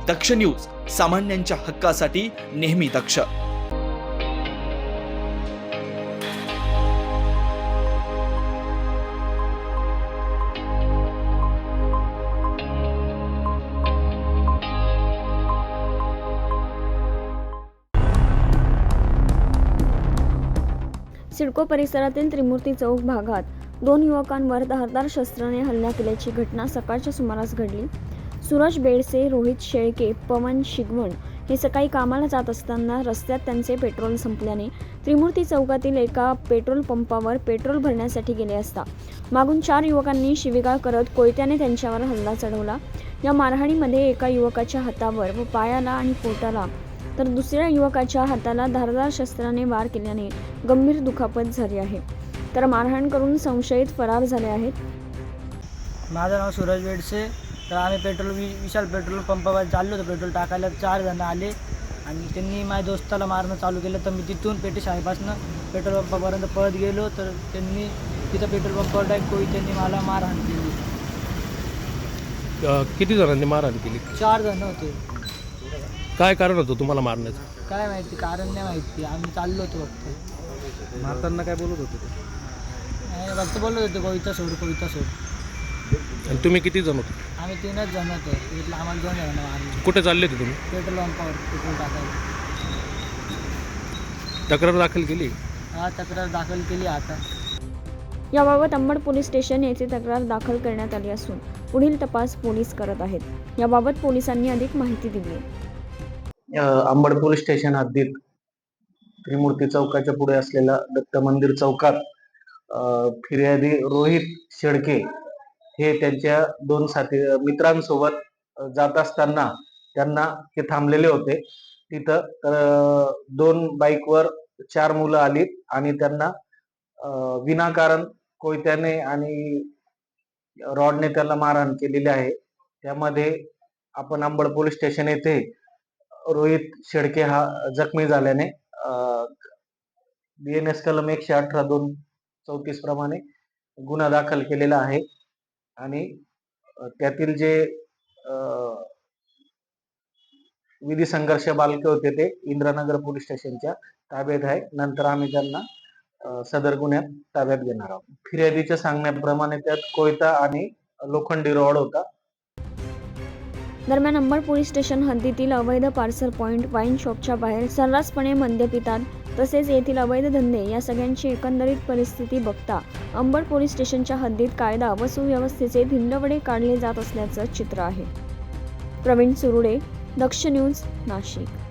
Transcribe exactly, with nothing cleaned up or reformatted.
दक्ष news, सामान्यांच्या हक्कासाठी नेहमी दक्ष. सिडको परिसरातील त्रिमूर्ती चौक भागात दोन युवकांवर धारदार शस्त्राने हल्ला केल्याची घटना सकाळच्या सुमारास घडली. सूरज बेडसे, रोहित शेळके, पवन शिगवण हे सकाळी कामाला जात असताना रस्त्यात त्यांचे पेट्रोल संपल्याने त्रिमूर्ती चौकातील एका पेट्रोल पंपावर पेट्रोल भरण्यासाठी गेले असता मागून चार युवकांनी शिवीगाळ करत कोयत्याने त्यांच्यावर हल्ला चढवला. या मारहाणीमध्ये एका युवकाच्या हातावर व पायाला आणि पोटाला तर दुसऱ्या युवकाच्या हाताला धारदार शस्त्राने वार केल्याने गंभीर दुखापत झाली आहे. तर मारहाण करून संशयित फरार झाले आहेत. माझं नाव सूरज बेडसे. तर आम्ही पेट्रोल वि विशाल पेट्रोल पंपावर चाललो होतो पेट्रोल टाकायला. चार जण आले आणि त्यांनी माझ्या दोस्ताला मारणं चालू केलं. तर मी तिथून पेटी शाळेपासून पेट्रोल पंपापर्यंत पळत गेलो. तर त्यांनी तिथं पेट्रोल पंपावर डायरेक्ट कोई त्यांनी मला मारहाण केली. किती जणांनी मारहाण केली? चार जण होते. काय कारण होतं तुम्हाला मारण्याचं? काय माहिती, कारण नाही माहिती. आम्ही चाललो होतो फक्त. मारताना काय बोलत होते? नाही, फक्त बोलत होते कोयता सोड कोयता सोड. आणि तुम्ही किती जण होते? आम्ही तीनच जण होतो. इथलं आम्हाला दोन जण मारले. कुठे चालले होते तुम्ही? पेट्रोल पंपावर पेट्रोल टाकायला. तक्रार दाखल केली? हा, तक्रार दाखल केली. आता याबाबत अंबड पोलीस स्टेशन येथे तक्रार दाखल करण्यात आली असून पुढील तपास पोलीस करत आहेत. याबाबत पोलिसांनी अधिक माहिती दिली. अंबड पोलीस स्टेशन हद्दीत त्रिमूर्ती चौकाच्या पुढे असलेल्या दत्त मंदिर चौकात फिर्यादी रोहित शेळके हे त्यांच्या दोन साथी मित्रांसोबत जात असताना त्यांना ते थांबलेले होते. तिथं तर दोन बाईकवर चार मुलं आली आणि त्यांना विनाकारण कोयत्याने आणि रॉडने त्याला मारहाण केलेली आहे. त्यामध्ये आपण अंबड पोलीस स्टेशन येथे रोहित शेळके हा जखमी झाल्याने बी एन एस कलम एकशे अठरा दोन चौतीस प्रमाणे गुन्हा दाखल केलेला आहे. आणि त्यातील जे विधी संघर्ष बालके होते ते इंद्रनगर पोलीस स्टेशनच्या ताब्यात आहे. नंतर आम्ही त्यांना सदर गुन्ह्यात ताब्यात घेणार आहोत. फिर्यादीच्या सांगण्याप्रमाणे त्यात कोयता आणि लोखंडी रॉड होता. दरम्यान अंबड पोलीस स्टेशन हद्दीतील अवैध पार्सल पॉइंट, वाईन शॉपच्या बाहेर सर्रासपणे मद्य पितात तसेच येथील अवैध धंदे या सगळ्यांची एकंदरीत परिस्थिती बघता अंबड पोलीस स्टेशनच्या हद्दीत कायदा व सुव्यवस्थेचे धिंडवडे काढले जात असल्याचं चित्र आहे. प्रवीण सुरुडे, दक्ष न्यूज, नाशिक.